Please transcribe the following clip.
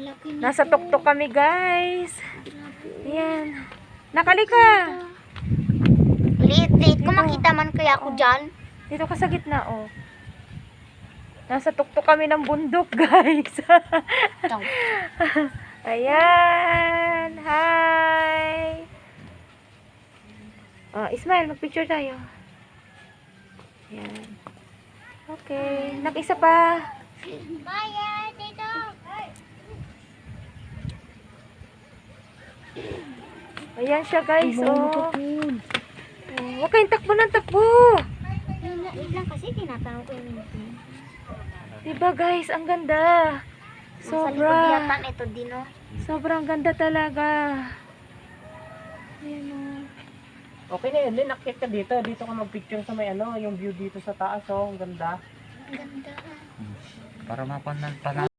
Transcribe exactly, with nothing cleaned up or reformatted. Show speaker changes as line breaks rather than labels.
laki nito.
Nasa tuktok kami, guys. Ayan. Nakali ka.
Liit-liit. Kung makita man kaya ako dyan.
Dito ka sa gitna, oh. Nasa tuktok kami ng bundok, guys.
Ito.
Ayan. Hi. Oh, Ismail, mag-picture tayo. Ayan. Okay. Nag-isa pa.
Maya, dito.
Ayan siya, guys. Oh. Oh, huwag kayong takbo ng takbo.
Yun lang, yun lang kasi tinatanong ko yung minute.
Diba, guys? Ang ganda.
Sa likod
Sobra.
yata ito din, oh.
Sobrang ganda talaga. Ayan, oh.
Okay na yun, Lin. Akit ka dito. Dito ka mag-picture sa may ano, yung view dito sa taas, oh. Ang ganda.
Ang ganda.
Para mapanan pa